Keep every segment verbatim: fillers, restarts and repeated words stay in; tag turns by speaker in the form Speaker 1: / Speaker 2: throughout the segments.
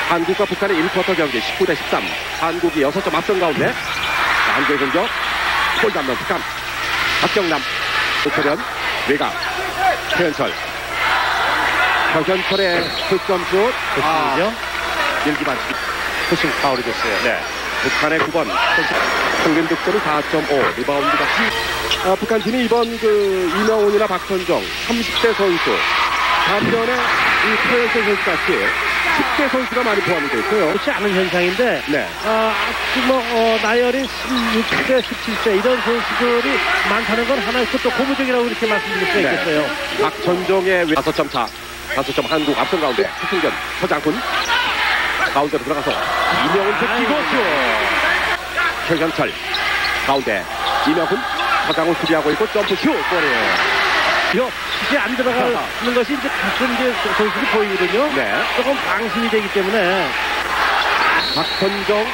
Speaker 1: 한국과 북한의 일 쿼터 경기 십구 대 십삼. 한국이 여섯 점 앞선 가운데 한국의 공격. 골 잡는 북한. 박경남, 오태련, 외곽, 최현철. 최현철의 득점슛.
Speaker 2: 아,
Speaker 1: 일기반
Speaker 2: 푸싱 파울이 됐어요.
Speaker 1: 네. 북한의 구 번. 평균 득점이 사 점 오. 리바운드가 아, 북한 팀이 이번 그 이명훈이나 박선정 삼십 대 선수. 반면에 이 최현철 선수같이 십 대 선수가 많이 포함이 되어 있어요.
Speaker 2: 그렇지 않은 현상인데,
Speaker 1: 네.
Speaker 2: 아, 아주 뭐, 어, 나이어린 십육 세, 십칠 세 이런 선수들이 많다는 건 하나의 또 고무적이라고 이렇게 말씀드릴 수가
Speaker 1: 네.
Speaker 2: 있겠어요.
Speaker 1: 박선정의 다섯 점 차. 다섯 점 한국 앞선 가운데 추승균, 서장훈 가운데로 들어가서 이명훈 제끼고 슛. 최현철 가운데 이명훈, 서장훈 수비하고 있고 점프 슛. 골이에요.
Speaker 2: 이거 슛이 안 들어가는 것이 이제 가끔 이제 선수들이 보이거든요.
Speaker 1: 네.
Speaker 2: 조금 방심이 되기 때문에.
Speaker 1: 박선정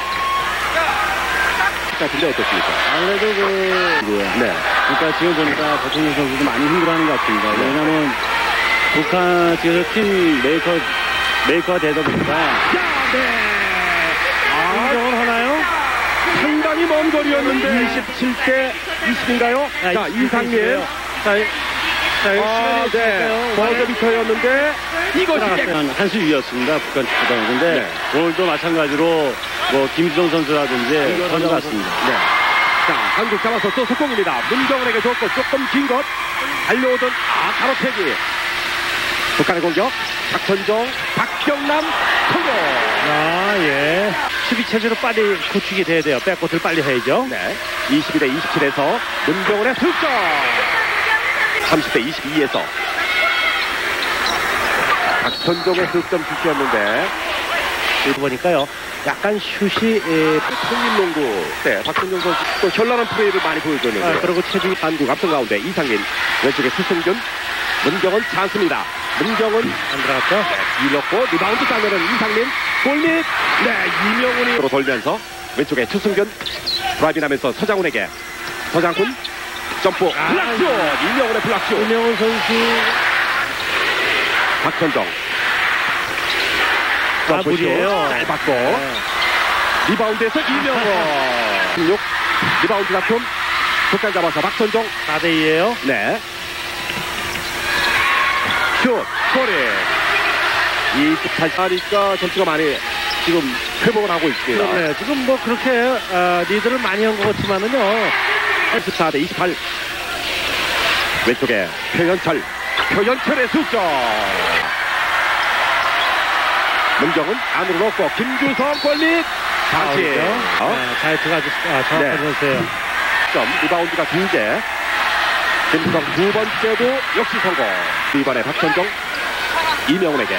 Speaker 1: 같은데 어떻습니까?
Speaker 2: 아무래도 그,
Speaker 1: 네.
Speaker 2: 그러니까 지금 보니까 박성준 선수도 많이 힘들어하는 것 같습니다. 왜냐면 북한 지금 팀 메이커, 메이커가 되다 보니까.
Speaker 1: 야, 네. 아,
Speaker 2: 인정을 하나요?
Speaker 1: 상당히 먼 거리였는데 이십칠 대 이십인가요?
Speaker 2: 아,
Speaker 1: 자, 이상민.
Speaker 2: 자, 자,
Speaker 1: 아, 네. 버저비터였는데 이것이 깨끗.
Speaker 2: 한, 한수 위였습니다. 북한 축구단은. 근데
Speaker 1: 네.
Speaker 2: 오늘도 마찬가지로 뭐 김주성 선수라든지 선수 같습니다.
Speaker 1: 네. 자, 한국 잡아서 또 속공입니다. 문정은에게 줬고 조금 긴 것. 달려오던 아, 가로채기. 북한의 공격. 박선정, 박경남, 성공.
Speaker 2: 아, 예. 수비 체제로 빨리 구축이 돼야 돼요. 백코트를 빨리 해야죠.
Speaker 1: 네. 이십이 대 이십칠에서 문정은의 득점. 삼십 대 이십이에서 박선정의 득점 슛이었는데
Speaker 2: 이거 보니까요. 약간 슛이 에,
Speaker 1: 통일농구 때 박선정 선수 또 현란한 플레이를 많이 보여줬는데
Speaker 2: 아, 그리고 체중이
Speaker 1: 한국 앞선 가운데 이상민, 왼쪽에 수승균, 문경은 찬스입니다. 문경은
Speaker 2: 안 들어갔죠?
Speaker 1: 네, 뒤넣고 리바운드 따내는 이상민, 골밑. 네, 이명훈이 돌면서 왼쪽에 추승균 드라이빙하면서 서장훈에게 서장훈 점프
Speaker 2: 아,
Speaker 1: 블락슛. 이명훈의 블락슛.
Speaker 2: 이명훈 선수
Speaker 1: 박선정
Speaker 2: 아,
Speaker 1: 점프슛
Speaker 2: 무리예요.
Speaker 1: 잘 받고
Speaker 2: 네.
Speaker 1: 리바운드에서 이명훈 십육 리바운드 다툼. 북한 잡아서 박선정
Speaker 2: 사 대 이예요.
Speaker 1: 네. 슛, 골이. 이십팔 차니까 점수가 많이 지금 회복을 하고 있습니다.
Speaker 2: 네, 지금 뭐 그렇게 어, 리드를 많이 한 것 같지만은요.
Speaker 1: 십사 대 이십팔. 왼쪽에 표현철. 표현철의 득점. 문정은 안으로 넣고 김주성 골밑. 다시.
Speaker 2: 아,
Speaker 1: 어?
Speaker 2: 네, 잘 들어가죠. 아, 정확한
Speaker 1: 네.
Speaker 2: 선수예요.
Speaker 1: 점 리바운드가 두 개. 김주성 두 번째도 역시 성공. 이번에 박선정 이명훈에게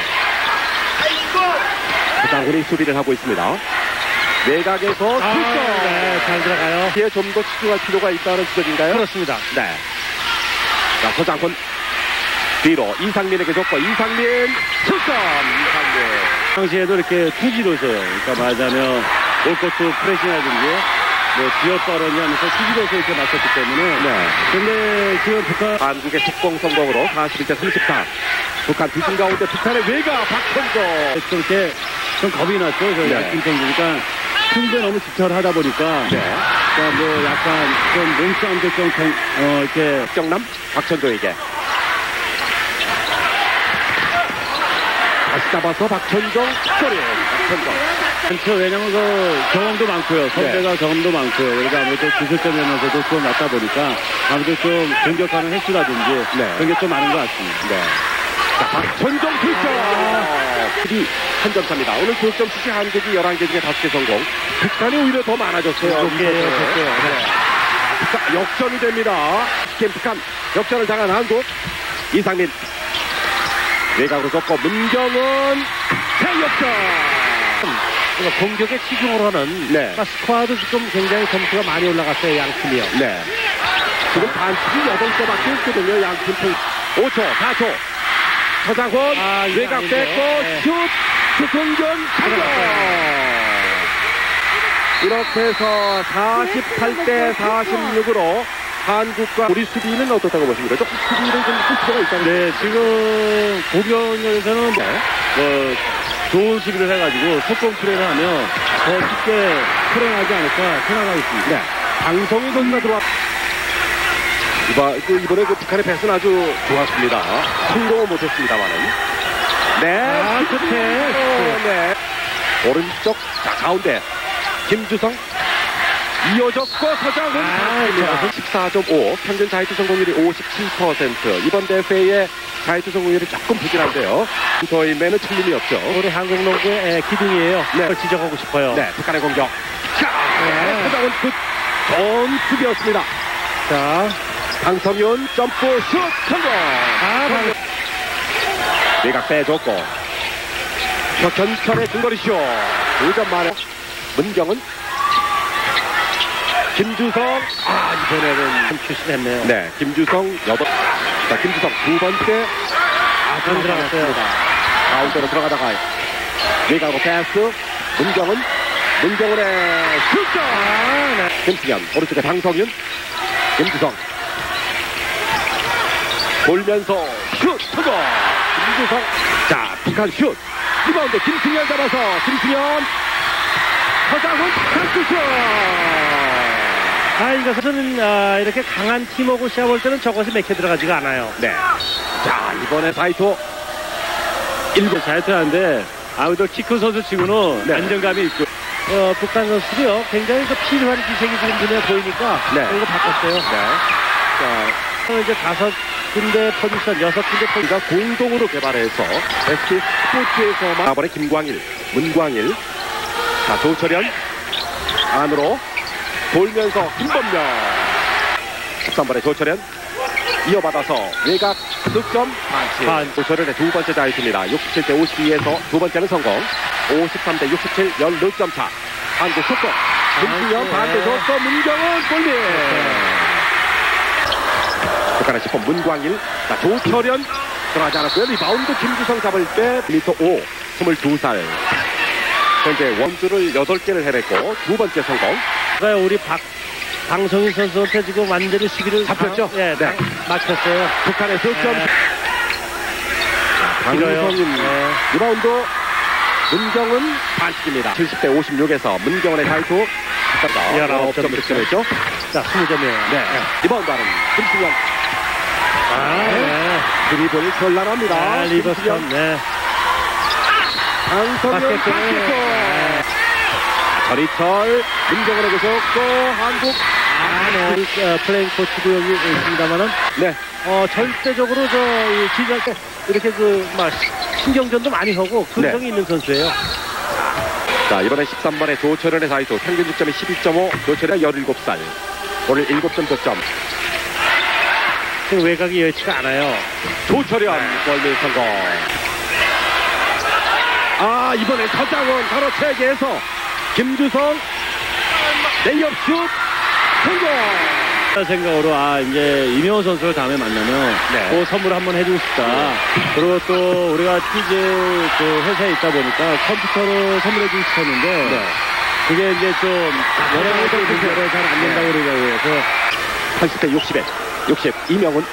Speaker 1: 서장훈이 수비를 하고 있습니다. 외곽에서
Speaker 2: 아,
Speaker 1: 득점.
Speaker 2: 네, 잘 들어가요.
Speaker 1: 뒤에 좀 더 집중할 필요가 있다는 지적인가요?
Speaker 2: 그렇습니다.
Speaker 1: 네. 자, 서장훈 뒤로 이상민에게 줬고 이상민 득점. 이상민.
Speaker 2: 당시에도 이렇게 투지로서요. 그러니까 말하자면 올코트 프레싱이라든지 뭐 지역 발언이 하면서 투지로서 이렇게 맞섰기 때문에.
Speaker 1: 네.
Speaker 2: 근데 지금 북한
Speaker 1: 한국의 속공 성공으로 사십일 대 삼십사. 북한 뒤진 가운데 북한의 외곽 박선정.
Speaker 2: 좀 이렇게 좀 겁이 났죠. 저희
Speaker 1: 네.
Speaker 2: 야팀 선수니까 승부에 너무 집착을 하다 보니까.
Speaker 1: 네.
Speaker 2: 그러니까 뭐 약간 좀 몸싸움도 좀 경- 어 이렇게
Speaker 1: 박경남 박천조에게 다시 잡아서 박천정 골이. 박천정.
Speaker 2: 많죠. 왜냐면 그 경험도 많고요. 선배가
Speaker 1: 네.
Speaker 2: 경험도 많고요. 그러니까 아무래도 기술점이면서도 좀 낮다 보니까 아무래도 좀 공격하는 횟수라든지
Speaker 1: 네.
Speaker 2: 그런 게 좀 많은 것 같습니다.
Speaker 1: 네. 자, 박천정 득점. 이 한 점 차입니다. 오늘 득점 수시 한국이 열한 개 중에 다섯 개 성공. 북한이 오히려 더 많아졌어요.
Speaker 2: 좋게요,
Speaker 1: 네.
Speaker 2: 좋게요.
Speaker 1: 네. 북한 역전이 됩니다. 스캔 북한 역전을 당한 한국. 이상민 외곽으로 줬고 문경은 대역전.
Speaker 2: 그러니까 공격에 치중을 하는
Speaker 1: 네.
Speaker 2: 그러니까 스쿼드 지금 굉장히 점수가 많이 올라갔어요. 양 팀이요.
Speaker 1: 네. 지금 반칙이 여덟 개밖에 없거든요. 양팀 통 오 초, 사 초. 서장훈
Speaker 2: 아, 이거
Speaker 1: 외곽
Speaker 2: 아닌데.
Speaker 1: 뺏고
Speaker 2: 네.
Speaker 1: 슛. 수승균 성공. 이렇게 해서 사십팔 대 사십육으로 한국과 우리 수비는 어떻다고 보십니까? 조금 수비를 좀 할 필요가 있다는.
Speaker 2: 네, 지금 공격에서는
Speaker 1: 네.
Speaker 2: 뭐 좋은 수비를 해가지고 속공 플레이를 하면 더 쉽게 풀어나지 않을까 생각하고 있습니다.
Speaker 1: 네. 방송이 선수가 들어왔. 이번, 그 이번에 그 북한의 패스는 아주 좋았습니다. 성공은 못했습니다만은. 네.
Speaker 2: 아, 끝에.
Speaker 1: 어, 네. 오른쪽, 자, 가운데. 김주성. 이어졌고 서장훈.
Speaker 2: 아,
Speaker 1: 십사 점 오. 평균 자유투 성공률이 오십칠 퍼센트. 이번 대회의 자유투 성공률이 조금 부진한데요. 저희매는 틀림이 없죠.
Speaker 2: 우리 한국 농구의 기둥이에요.
Speaker 1: 네.
Speaker 2: 그걸 지적하고 싶어요.
Speaker 1: 네. 북한의 공격. 자, 네. 서장훈 굿. 좋은 수비였습니다.
Speaker 2: 자,
Speaker 1: 강성윤 점프 슛 성공.
Speaker 2: 아, 방...
Speaker 1: 외곽 빼줬고 격현철의 중거리 슛 두 점 만에 문경은 김주성. 아, 이번에는
Speaker 2: 출신했네요.
Speaker 1: 네, 김주성 여덟. 자, 김주성 두 번째. 아,
Speaker 2: 안 들어갔어요.
Speaker 1: 가운데로 들어가다가 외곽으로 패스. 문경은 문경은의 슛.
Speaker 2: 아, 네.
Speaker 1: 김승현 오른쪽에 강성윤. 김주성 돌면서 슛 성공. 김주성. 자, 북한 슛. 리바운드 김승현 잡아서 김승현. 서장훈 찬스 슛.
Speaker 2: 아, 이것은 아, 이렇게 강한 팀하고 시합할 때는 저것이 맥혀 들어가지가 않아요.
Speaker 1: 네. 자, 이번에 사이토 일곱.
Speaker 2: 잘 타는데 아무래도 키 큰 선수 치고는
Speaker 1: 네.
Speaker 2: 안정감이 있고 어, 북한 선수들이요 굉장히 그 필요한 기색이 지금 눈에 보이니까
Speaker 1: 네.
Speaker 2: 이거 바꿨어요.
Speaker 1: 네.
Speaker 2: 자, 이제 다섯 군데 포지션, 여섯 군데 포지션.
Speaker 1: 우리가 공동으로 개발해서 에스케이 스포츠에서만 이번에 김광일, 문광일. 자, 조철현 안으로 돌면서 김범명. 십삼 번에 조철현 이어받아서 외곽 득점 반칙.
Speaker 2: 반.
Speaker 1: 조철현의 두 번째 자유투입니다. 육십칠 대 오십이에서 두 번째는 성공. 오십삼 대 육십칠 십육 점 차. 한국 속공. 김승현 반대 줬고 문경은 골밑. 북한의 십 번 문광일. 자, 조철현 들어가지 않았고요. 리바운드 김주성 잡을 때 미터 오. 스물두 살. 현재 원주를 여덟 개를 해냈고 두 번째 성공.
Speaker 2: 우리 박 방송인 선수한테 지금 완전히 수비를
Speaker 1: 잡혔죠?
Speaker 2: 당, 예,
Speaker 1: 네.
Speaker 2: 당, 막혔어요.
Speaker 1: 북한의 득점.
Speaker 2: 네.
Speaker 1: 강성인
Speaker 2: 네.
Speaker 1: 리바운드. 문경은 반칙입니다. 칠십 대 오십육에서 문경은의 자유투.
Speaker 2: 열아홉 점
Speaker 1: 득점했죠.
Speaker 2: 자, 스무 점이에요.
Speaker 1: 네. 리바운드하는 김승현.
Speaker 2: 아, 네.
Speaker 1: 드리블 현란합니다.
Speaker 2: 아, 리버스턴,
Speaker 1: 김승현.
Speaker 2: 네.
Speaker 1: 강성현
Speaker 2: 바스켓볼.
Speaker 1: 바스켓볼.
Speaker 2: 네.
Speaker 1: 전희철 문경은에게 줬고 한국.
Speaker 2: 아, 네. 어, 플레잉 코치도 여기 있습니다만은,
Speaker 1: 네.
Speaker 2: 어, 절대적으로 저, 이 지지할 때 이렇게 그, 막, 신경전도 많이 하고, 근성이
Speaker 1: 네.
Speaker 2: 있는 선수예요.
Speaker 1: 자, 이번에 십삼 번에 조철현의 자유투. 평균 득점이 십이 점 오. 조철현 열일곱 살. 오늘 일곱 점 득점.
Speaker 2: 지금 외곽이 여의치가 않아요.
Speaker 1: 조철현 골밑 성공. 아, 이번엔 서장훈 바로 체계에서 김주성 레이업 슛 성공.
Speaker 2: 생각으로 아 이제 이명호 선수를 다음에 만나면
Speaker 1: 네.
Speaker 2: 그 선물 한번 해주고 싶다. 그리고 또 우리가 티제 그 회사에 있다 보니까 컴퓨터로 선물해주고 싶었는데
Speaker 1: 네.
Speaker 2: 그게 이제 좀 여러 가지 문제로 잘 안 된다고 그러더라고요. 그래서
Speaker 1: 팔십 대 육십에 육십 이명훈.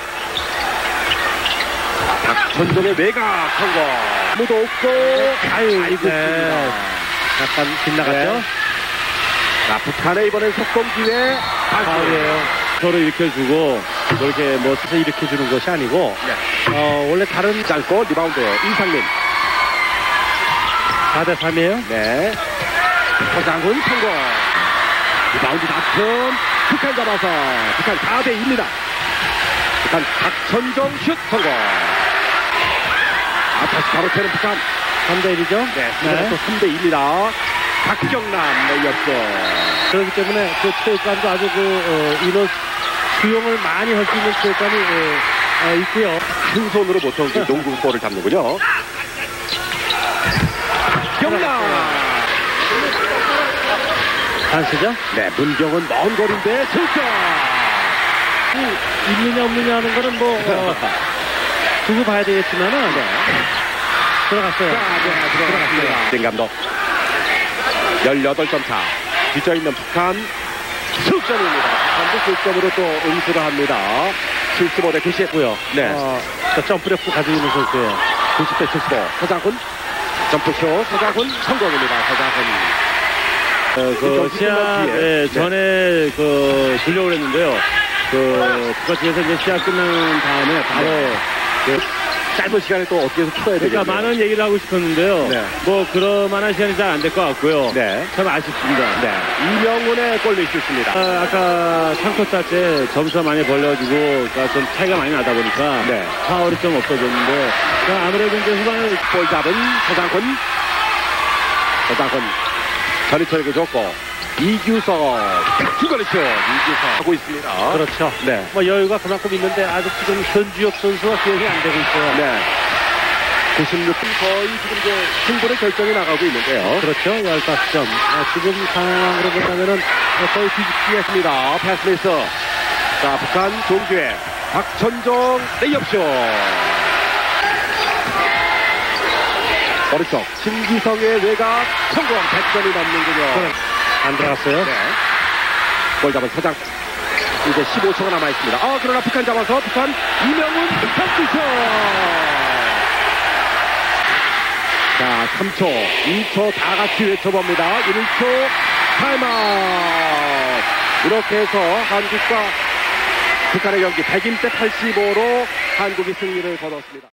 Speaker 1: 박천종의 외곽 성공. 아무도 없고
Speaker 2: 아유
Speaker 1: 아이고
Speaker 2: 네. 약간 빗나갔죠.
Speaker 1: 네. 자, 북한의 이번엔 속공 기회.
Speaker 2: 파울이에요. 서로 일으켜주고 그렇게 뭐 서서 일으켜주는 것이 아니고
Speaker 1: 네.
Speaker 2: 어 원래 다른
Speaker 1: 짧고 리바운드 이상민.
Speaker 2: 사 대 삼이에요.
Speaker 1: 네. 서장훈 성공. 리바운드 다툼. 북한 잡아서 북한 사 대 이입니다. 북한 박천종 슛 성공. 아, 다시 바로 채는 북한.
Speaker 2: 삼 대 일이죠.
Speaker 1: 네, 이번에 또 삼 대 이입니다. 박경남 레이업쇼.
Speaker 2: 그렇기 때문에 그 체육관도 아주 그 어, 이런 수용을 많이 할 수 있는 체육관이 어, 어, 있고요.
Speaker 1: 큰 손으로 보통 이 농구볼을 잡는군요. 경남.
Speaker 2: 단수죠?
Speaker 1: 네, 문경은 먼 거리인데 실점.
Speaker 2: 있느냐 없느냐 하는 거는 뭐 어, 두고 봐야 되겠지만은
Speaker 1: 네.
Speaker 2: 들어갔어요.
Speaker 1: 자, 네, 들어갔습니다. 진 감독. 열여덟 점 차. 뒤져있는 북한 실점입니다. 북한도 실점으로 또 응수를 합니다. 칠십오 대 구십고요. 네.
Speaker 2: 어, 점프력도 가지고 있는 선수예요.
Speaker 1: 구십 대 칠십오. 서장훈 점프쇼 서장훈 성공입니다. 서장훈.
Speaker 2: 어, 그 시합 예, 전에 그 주려고 했는데요. 그 북아치에서 이제 시합 끝난 다음에 바로
Speaker 1: 네.
Speaker 2: 그,
Speaker 1: 짧은 시간에 또 어떻게 해서 풀어야 되겠네요.
Speaker 2: 그러니까 많은 얘기를 하고 싶었는데요.
Speaker 1: 네.
Speaker 2: 뭐 그럴 만한 시간이 잘 안 될 것 같고요.
Speaker 1: 네.
Speaker 2: 참 아쉽습니다.
Speaker 1: 네. 이명훈의 골로 있습니다.
Speaker 2: 아, 아까 삼 쿼터 때 점수가 많이 벌려지고 그러니까 좀 차이가 많이 나다 보니까
Speaker 1: 네.
Speaker 2: 파울이 좀 없어졌는데 그러니까 아무래도 이제 후반에
Speaker 1: 볼 잡은 서장훈. 서장훈. 전희철에게 줬고 이규석. 중거리슛. 이규석 하고 있습니다.
Speaker 2: 그렇죠.
Speaker 1: 네.
Speaker 2: 뭐 여유가 그만큼 있는데 아직 지금 현주엽 선수가 기억이 안 되고 있어요.
Speaker 1: 네. 구십육 분 거의 지금 이제 승부의 결정이 나가고 있는데요.
Speaker 2: 그렇죠. 십오 점. 아, 지금 상황으로 본다면은 거의 뒤집기했습니다.
Speaker 1: 패스미스. 자, 북한 좋은 기회. 박천종 레이업쇼. 오른쪽 신기성의 외곽 성공. 백 점이 넘는군요.
Speaker 2: 안 들어갔어요.
Speaker 1: 네. 볼 잡은 서장. 이제 십오 초가 남아있습니다. 아, 그러나 북한 잡아서 북한 이명훈 점프쇼. 자, 삼 초, 이 초 다 같이 외쳐봅니다. 일 초 타임아웃. 이렇게 해서 한국과 북한의 경기 백인 대 팔십오로 한국이 승리를 거뒀습니다.